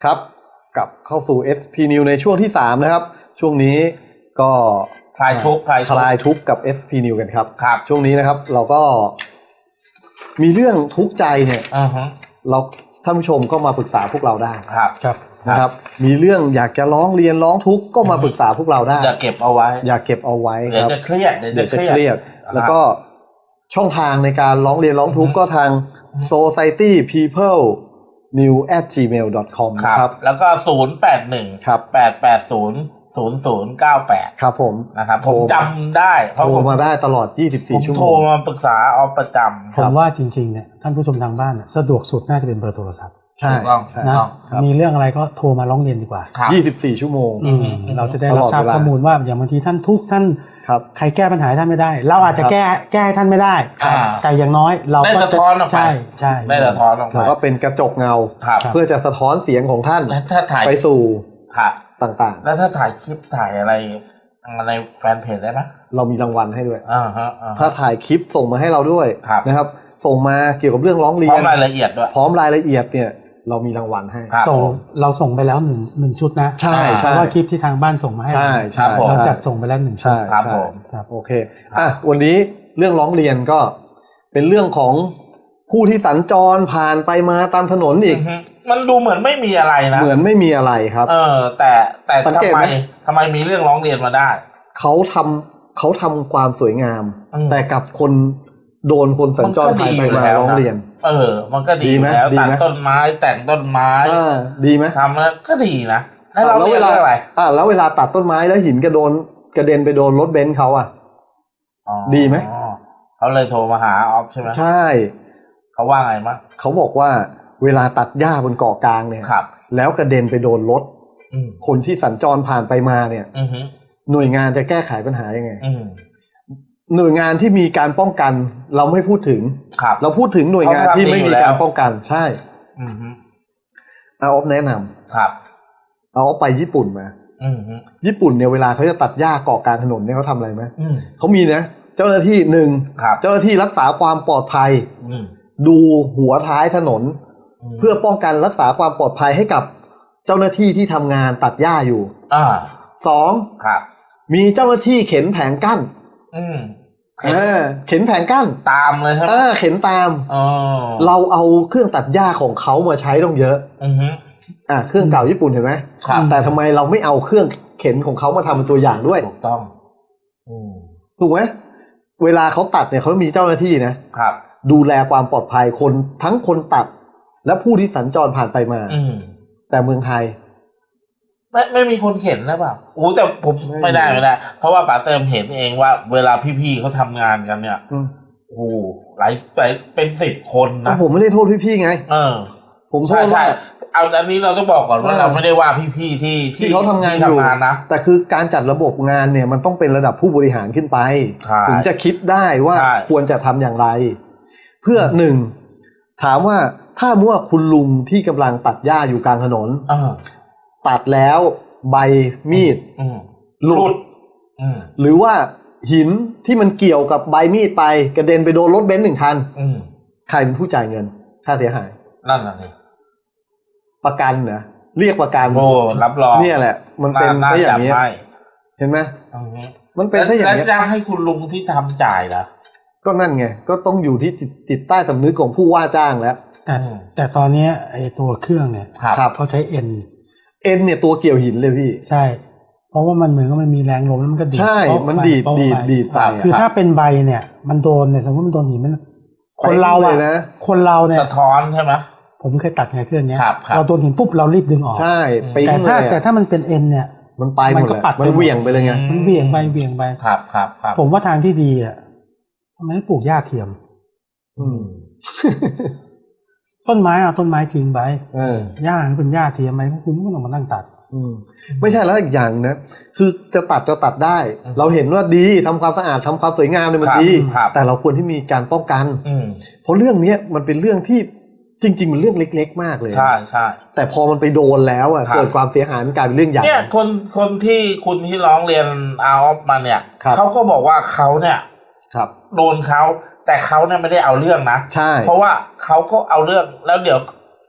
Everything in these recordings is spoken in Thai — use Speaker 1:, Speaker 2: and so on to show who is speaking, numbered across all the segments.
Speaker 1: ครับกลับเข้าสู่ SP New ในช่วงที่3นะครับช่วงนี้ก็
Speaker 2: คลายทุกข์
Speaker 1: กับ SP New กันครับ
Speaker 2: ครับ
Speaker 1: ช่วงนี้นะครับเราก็มีเรื่องทุกข์ใจเนี่ยเราท่านผู้ชมก็มาปรึกษาพวกเราได้
Speaker 2: ครับ
Speaker 1: นะครับมีเรื่องอยากจะร้องเรียนร้องทุกข์ก็มาปรึกษาพวกเราได้
Speaker 2: อย่าเก็บเอาไว้
Speaker 1: ครับเดี๋ยวจะเครียดแล้วก็ช่องทางในการร้องเรียนร้องทุกข์ก็ทาง society people new@gmail.com
Speaker 2: ครับแล้วก็081
Speaker 1: ครับ
Speaker 2: 8800098
Speaker 1: ครับผม
Speaker 2: นะครับผมจำได้
Speaker 1: โทรมาได้ตลอด24ชั่วโมง
Speaker 2: โทรมาปรึกษาเอาประจำ
Speaker 3: ผมว่าจริงๆเนี่ยท่านผู้ชมทางบ้านสะดวกสุดน่าจะเป็นเบอร์โทรศัพท์
Speaker 1: ใช่
Speaker 3: นะมีเรื่องอะไรก็โทรมาร้องเรียนดีกว่า
Speaker 1: 24ชั่วโมง
Speaker 3: เราจะได้รับทราบข้อมูลว่าอย่างบางทีท่านทุกท่านใครแก้ปัญหาท่านไม่ได้เราอาจจะแก้ท่านไม่ได้แต่อย่างน้อยเราก็
Speaker 2: ได้สะท้อนออกไป
Speaker 3: ใช่
Speaker 2: ได้สะท้อนออกไป
Speaker 1: เราก็เป็นกระจกเงาเพื่อจะสะท้อนเสียงของท่านไปสู่ต่างๆ
Speaker 2: แล้วถ้าถ่ายคลิปถ่ายอะไรในแฟนเพจได้ไหม
Speaker 1: เรามีรางวัลให้ด้วยถ้าถ่ายคลิปส่งมาให้เราด้วยนะครับส่งมาเกี่ยวกับเรื่องร้องเรียน
Speaker 2: พร้อมรายละเอียดด้วย
Speaker 1: พร้อมรายละเอียดเนี่ยเรามีรางวัลให้
Speaker 3: เราส่งไปแล้วหนึ่งชุดนะ
Speaker 1: ใช่
Speaker 3: เพราะว่าคลิปที่ทางบ้านส่งมาให้เราจัดส่งไปแล้ว1ชุด
Speaker 2: ครับผม
Speaker 1: โอเควันนี้เรื่องร้องเรียนก็เป็นเรื่องของผู้ที่สัญจรผ่านไปมาตามถนนอีก
Speaker 2: มันดูเหมือนไม่มีอะไรนะ
Speaker 1: เหมือนไม่มีอะไรครับ
Speaker 2: แต่ทำไมมีเรื่องร้องเรียนมาได้
Speaker 1: เขาทำความสวยงามแต่กับคนโดนคนสัญจรผ่านไปมาร้องเรียน
Speaker 2: มันก็ดีแล้วตัดต้นไม้แต่งต้นไม้
Speaker 1: ดีไหม
Speaker 2: ทำแล้วก็ดีนะแล้วเวลาอะไร
Speaker 1: แล้วเวลาตัดต้นไม้แล้วหินกระเด็นไปโดนรถเบนซ์เขาดีไหม
Speaker 2: เขาเลยโทรมาหาออฟใช่ไหม
Speaker 1: ใช่
Speaker 2: เขาว่าไงมั้ง
Speaker 1: เขาบอกว่าเวลาตัดหญ้าบนเกาะกลางเนี่ยแล้วกระเด็นไปโดนรถคนที่สัญจรผ่านไปมาเนี่ยหน่วยงานจะแก้ไขปัญหายังไงหน่วยงานที่มีการป้องกันเราไม่พูดถึงเราพูดถึงหน่วยงานที่ไม่มีการป้องกันใช่เอาออฟแนะนำเอาออฟไปญี่ปุ่นมาญี่ปุ่นเนี่ยเวลาเขาจะตัดหญ้าเกาะกลางถนนเนี่ยเขาทำอะไรไหมเขามีนะเจ้าหน้าที่เจ้าหน้าที่รักษาความปลอดภัยดูหัวท้ายถนนเพื่อป้องกันรักษาความปลอดภัยให้กับเจ้าหน้าที่ที่ทำงานตัดหญ้าอยู่2มีเจ้าหน้าที่เข็นแผงกั้นเข็นแผงกั้น
Speaker 2: ตามเลยครับ
Speaker 1: เข็นตามเราเอาเครื่องตัดหญ้าของเขามาใช้ต้องเยอะเครื่องเก่าญี่ปุ่นเห็นไหมแต่ทำไมเราไม่เอาเครื่องเข็นของเขามาทำเป็นตัวอย่างด้วย
Speaker 2: ถูกต้อง
Speaker 1: ถูกไหมเวลาเขาตัดเนี่ยเขามีเจ้าหน้าที่นะดูแลความปลอดภัยคนทั้งคนตัดและผู้ที่สัญจรผ่านไปมาแต่เมืองไทย
Speaker 2: ไม่มีคนเข็นนะเปล่าแต่ผมไม่ได้เพราะว่าป๋าเติมเห็นเองว่าเวลาพี่ๆเขาทำงานกันเนี่ยหลายเป็น10 คนนะ
Speaker 1: ผมไม่ได้โทษพี่ๆไงผมโทษว่า
Speaker 2: เอาอันนี้เราต้องบอกก่อนว่าเราไม่ได้ว่าพี่ๆที่
Speaker 1: เขาทำงานอยู่นะแต่คือการจัดระบบงานเนี่ยมันต้องเป็นระดับผู้บริหารขึ้นไปถึงจะคิดได้ว่าควรจะทำอย่างไรเพื่อถามว่าถ้าเมื่อคุณลุงที่กำลังตัดหญ้าอยู่กลางถนนตัดแล้วใบมีดหลุดหรือว่าหินที่มันเกี่ยวกับใบมีดไปกระเด็นไปโดนรถเบนซ์1 คันใครเป็นผู้จ่ายเงินค่าเสียหาย
Speaker 2: นั่นน่ะสิ
Speaker 1: ประกันเหรอเรียกประกัน
Speaker 2: รับรอง
Speaker 1: เนี่ยแหละมันเป็นซะอย่างนี้เห็นไหมมันเป็นซะอย่างนี้
Speaker 2: แล้วจะให้คุณลุงที่ทำจ่ายเหรอ
Speaker 1: ก็นั่นไงก็ต้องอยู่ที่จิตใต้สำนึกของผู้ว่าจ้างแล้ว
Speaker 3: แต่ตอนนี้ไอ้ตัวเครื่องเนี่ยเขาใช้เอ็น
Speaker 1: เนี่ยตัวเกี่ยวหินเลยพี่
Speaker 3: ใช่เพราะว่ามันเหมือนกับมันมีแรงลมแล้วมันก็ดีด
Speaker 1: ใช่มันดีดไป
Speaker 3: คือถ้าเป็นใบเนี่ยมันโดนเนี่ยสมมติมันโดนหินมันคนเราเนี่ย
Speaker 2: สะท้อนใช่ไหม
Speaker 3: ผมเคยตัดไงเครื่องนี้เราโดนหินปุ๊บเรารีบดึงออก
Speaker 1: ใช่
Speaker 3: แต่ถ้ามันเป็นเอ็นเนี่ย
Speaker 1: มันไปหมดเลยมันเหวี่ยงไปเลยไง
Speaker 3: มันเหวี่ยงไป
Speaker 2: ครับ
Speaker 3: ผมว่าทางที่ดีอ่ะทำไมไม่ปลูกหญ้าเทียมต้นไม้ต้นไม้จริงไปหญ้าเป็นหญ้าเทียมไหมคุณไม่ต้องมานั่งตัด
Speaker 1: ไม่ใช่แล้วอีกอย่างนะคือจะตัดได้เราเห็นว่าดีทำความสะอาดทำความสวยงามเนี่ยมันดีแต่เราควรที่มีการป้องกันเพราะเรื่องนี้มันเป็นเรื่องที่จริงๆมันเรื่องเล็กๆมากเลย
Speaker 2: ใช่
Speaker 1: แต่พอมันไปโดนแล้วเกิดความเสียหายมันกลายเป็นเรื่องใหญ่
Speaker 2: เนี่ยคนที่คุณที่ร้องเรียนเอาออฟมาเนี่ยเขาก็บอกว่าเขาเนี่ยโดนเขาแต่เขาเนี่ยไม่ได้เอาเรื่องนะ
Speaker 1: ใช่
Speaker 2: เพราะว่าเขาก็เอาเรื่องแล้วเดี๋ยว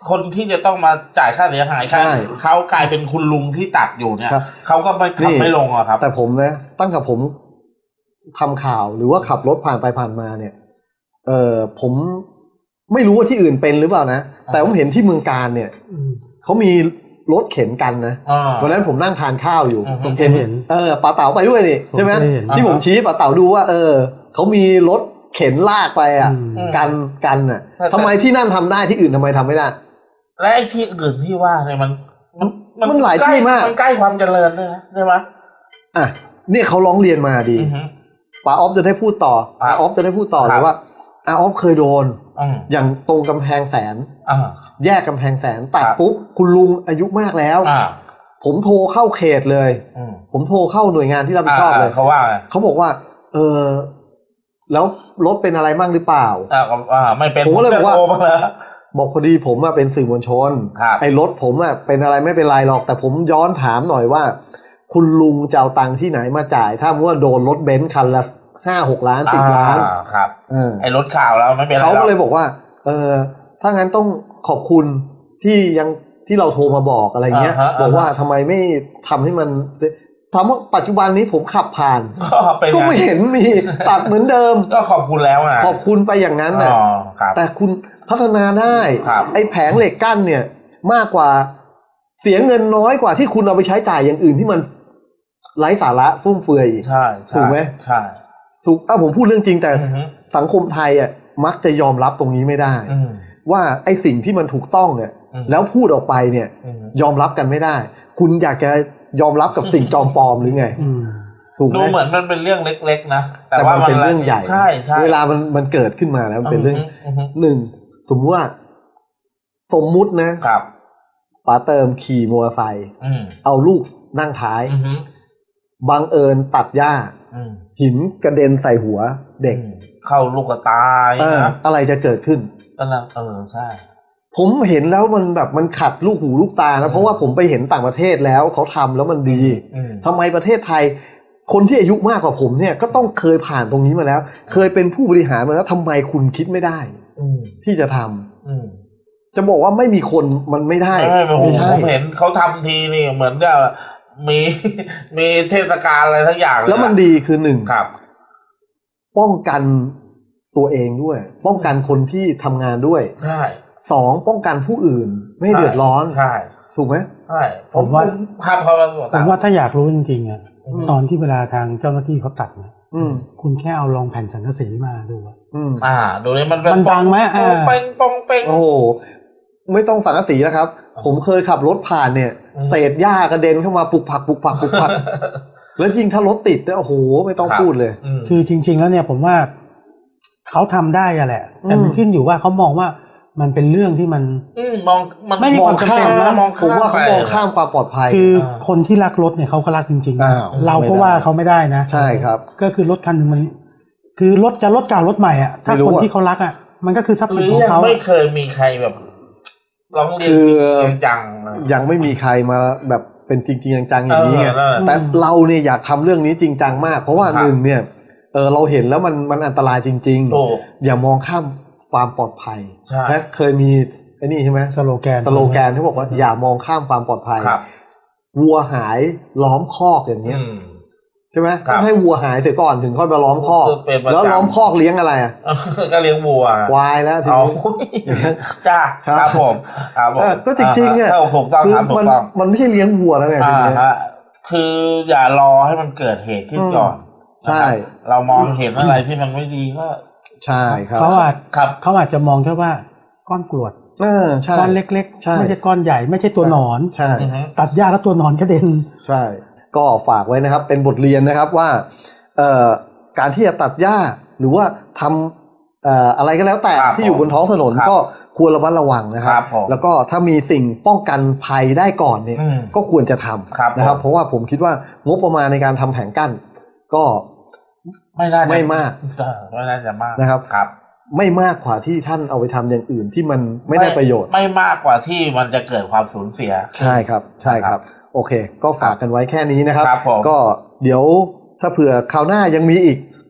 Speaker 2: คนที่จะต้องมาจ่ายค่าเสียหายใช่เขากลายเป็นคุณลุงที่ตัดอยู่เนี่ยเขาก็ไม่ทำไม่ลงอะครับ
Speaker 1: แต่ผมนะตั้งแต่ผมทำข่าวหรือว่าขับรถผ่านไปผ่านมาเนี่ยผมไม่รู้ว่าที่อื่นเป็นหรือเปล่านะแต่ผมเห็นที่เมืองการเนี่ยเขามีรถเข็นกันนะวันนั้นผมนั่งทานข้าวอยู่
Speaker 3: ผมเห็น
Speaker 1: ป๋าเต๋าไปด้วยนี่ใช่ไหมที่ผมชี้ป๋าเต๋าดูว่าเขามีรถเข็นลากไปอ่ะกันอ่ะทำไมที่นั่นทำได้ที่อื่นทำไมทำไม่ได้
Speaker 2: และไอ้ที่อื่นที่ว่าเนี่ย
Speaker 1: มันหลายที่มาก
Speaker 2: มันใกล้ความเจริญด้วยนะใช่ไหม
Speaker 1: เนี่ยเขาร้องเรียนมาดีป๋าออฟจะได้พูดต่อป๋าออฟจะได้พูดต่อเลยว่าออฟเคยโดนอย่างตรงกำแพงแสนแยกกำแพงแสนตัดปุ๊บคุณลุงอายุมากแล้วผมโทรเข้าเขตเลยผมโทรเข้าหน่วยงานที่รับผิดชอบเลยเขาบอกว่าแล้วรถเป็นอะไรมั่งหรือเปล่า
Speaker 2: ไม่เป็น
Speaker 1: ผมก็เลยบอกว่าบอกพอดีผมเป็นสื่อมวลชนไอ้รถผมเป็นอะไรไม่เป็นไรหรอกแต่ผมย้อนถามหน่อยว่าคุณลุงจะเอาตังค์ที่ไหนมาจ่ายถ้าเมื่อโดนรถเบนซ์คันละ5-6 ล้าน10 ล้าน
Speaker 2: ครับไอ้รถข่าวแล้วไม่เป็นไร
Speaker 1: เขาก็เลยบอกว่าถ้างั้นต้องขอบคุณที่เราโทรมาบอกอะไรเงี้ยบอกว่าทำไมไม่ทำให้มันถามว่าปัจจุบันนี้ผมขับผ่านก็ไม่เห็นมีตัดเหมือนเดิม
Speaker 2: ก็ขอบคุณแล้ว
Speaker 1: ขอบคุณไปอย่างนั้นน่ะแต่คุณพัฒนาได้ไอ้แผงเหล็กกั้นเนี่ยมากกว่าเสียเงินน้อยกว่าที่คุณเอาไปใช้จ่ายอย่างอื่นที่มันไร้สาระฟุ่มเฟือย
Speaker 2: ใช่
Speaker 1: ถูกไหม
Speaker 2: ใช่
Speaker 1: ถูกผมพูดเรื่องจริงแต่สังคมไทยมักจะยอมรับตรงนี้ไม่ได้ว่าไอ้สิ่งที่มันถูกต้องเนี่ยแล้วพูดออกไปเนี่ยยอมรับกันไม่ได้คุณอยากจะยอมรับกับสิ่งจอมปลอมหรือไง
Speaker 2: ถูกไหมดูเหมือนมันเป็นเรื่องเล็กๆนะ
Speaker 1: แต่มันเป็นเรื่องใหญ่
Speaker 2: ใช่ใช่
Speaker 1: เวลามันเกิดขึ้นมาแล้วมันเป็นเรื่องหนึ่งสมมตินะครับป๋าเติมขี่มอเตอร์ไซค์เอาลูกนั่งท้ายบังเอิญตัดหญ้าหินกระเด็นใส่หัวเด็ก
Speaker 2: เข้าลูกตา
Speaker 1: อะไรจะเกิดขึ้น
Speaker 2: ใช่
Speaker 1: ผมเห็นแล้วมันแบบมันขัดลูกหูลูกตานะเพราะว่าผมไปเห็นต่างประเทศแล้วเขาทำแล้วมันดีทำไมประเทศไทยคนที่อายุมากกว่าผมเนี่ยก็ต้องเคยผ่านตรงนี้มาแล้วเคยเป็นผู้บริหารมาแล้วทำไมคุณคิดไม่ได้ที่จะทำจะบอกว่าไม่มีคนมันไม่ได้
Speaker 2: ไม่ใช่ผมเห็นเขาทำทีนี่เหมือนกับมีเทศกาลอะไรทั้งอย่าง
Speaker 1: แล้วมันดีคือหนึ่ง
Speaker 2: ครับ
Speaker 1: ป้องกันตัวเองด้วยป้องกันคนที่ทำงานด้วย
Speaker 2: ใช่
Speaker 1: สองป้องกันผู้อื่นไม่ให้เดือดร้อน
Speaker 2: ใช่
Speaker 1: ถูกไหม
Speaker 2: ใช่
Speaker 3: ผมว่า
Speaker 2: ผม
Speaker 3: ว่าถ้าอยากรู้จริงๆตอนที่เวลาทางเจ้าหน้าที่เขาตัดเนี่ยคุณแค่เอาลองแผ่นสังกะสีมาดู
Speaker 2: ดูเลยมัน
Speaker 3: ดังไหม
Speaker 2: ปองเป้ง
Speaker 1: โอ้โหไม่ต้องสังกะสีนะครับผมเคยขับรถผ่านเนี่ยเศษหญ้ากระเด็นเข้ามาปุกผักแล้วยิ่งถ้ารถติดเนี่ยโอ้โหไม่ต้องพูดเลย
Speaker 3: คือจริงๆแล้วเนี่ยผมว่าเขาทำได้อะแหละแต่มันขึ้นอยู่ว่าเขามองว่ามันเป็นเรื่องที่มันไม่มีความจำเป็นนะ
Speaker 1: ผมว่าเขามองข้ามความปลอดภัย
Speaker 3: คือคนที่รักรถเนี่ยเขาก็รักจริงๆเราก็ว่าเขาไม่ได้นะ
Speaker 1: ใช่ครับ
Speaker 3: ก็คือรถคันนึงมันคือรถจะรถเก่ารถใหม่อ่ะถ้าคนที่เขารักอ่ะมันก็คือทรัพย์สินของเขา
Speaker 2: ไม่เคยมีใครแบบร้องเรียนจัง
Speaker 1: ยังไม่มีใครมาแบบเป็นจริงๆจังๆอย่างนี้ไงแต่เราเนี่ยอยากทำเรื่องนี้จริงจังมากเพราะว่าหนึ่งเนี่ยเราเห็นแล้วมันอันตรายจริงๆอย่ามองข้ามความปลอดภัยนะเคยมีไอ้นี่ใช่ไหม
Speaker 3: สโลแก
Speaker 1: นที่บอกว่าอย่ามองข้ามความปลอดภัยวัวหายล้อมคอกอย่างเงี้ยใช่ไหมต้องให้วัวหายเสียก่อนถึงค่อยมาล้อมคอกแล้วล้อมคอกเลี้ยงอะไร
Speaker 2: ก็เลี้ยงวัว
Speaker 1: ควายแล้วทีนี้
Speaker 2: จ้าครับผม
Speaker 1: ก็จริงๆเนี่ยคือมันไม่ใช่เลี้ยงวัวแล้วไง
Speaker 2: คืออย่ารอให้มันเกิดเหตุขึ้นก่อน
Speaker 1: ใช่
Speaker 2: เรามองเห็นอะไรที่มันไม่ดีก็
Speaker 1: ใช่ครับ
Speaker 3: เขาอาจจะมองแค่ว่าก้อนกรวดก้อนเล็กๆไม่ใช่ก้อนใหญ่ไม่ใช่ตัวหนอน
Speaker 1: ใช่
Speaker 3: ตัดหญ้าแล้วตัวหนอนกระเด็น
Speaker 1: ใช่ก็ฝากไว้นะครับเป็นบทเรียนนะครับว่าการที่จะตัดหญ้าหรือว่าทำอะไรก็แล้วแต่ที่อยู่บนท้องถนนก็ควรระมัดระวังนะครับแล้วก็ถ้ามีสิ่งป้องกันภัยได้ก่อนเนี่ยก็ควรจะทำนะครับเพราะว่าผมคิดว่างบประมาณในการทำแผงกั้นก็ไม่มาก
Speaker 2: ไม่น่าจะมาก
Speaker 1: นะครับไม่มากกว่าที่ท่านเอาไปทำอย่างอื่นที่มันไม่ได้ประโยชน์
Speaker 2: ไม่มากกว่าที่มันจะเกิดความสูญเสีย
Speaker 1: ใช่ครับใช่ครับโอเคก็ฝากกันไว้แค่นี้นะครับก็เดี๋ยวถ้าเผื่อคราวหน้ายังมีอีก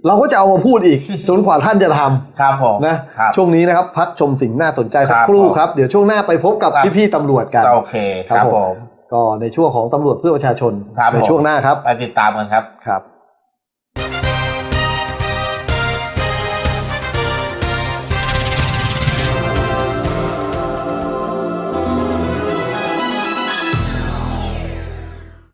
Speaker 1: เราก็จะเอามาพูดอีก จนกว่าท่านจะทำ
Speaker 2: ครับผม
Speaker 1: นะช่วงนี้นะครับพักชมสิ่งน่าสนใจสักครู่ครับเดี๋ยวช่วงหน้าไปพบกับพี่ๆตำรวจกัน
Speaker 2: โอเคครับผม
Speaker 1: ก็ในช่วงของตำรวจเพื่อประชาชนในช่วงหน้าครับ
Speaker 2: ไปติดตามกันครับ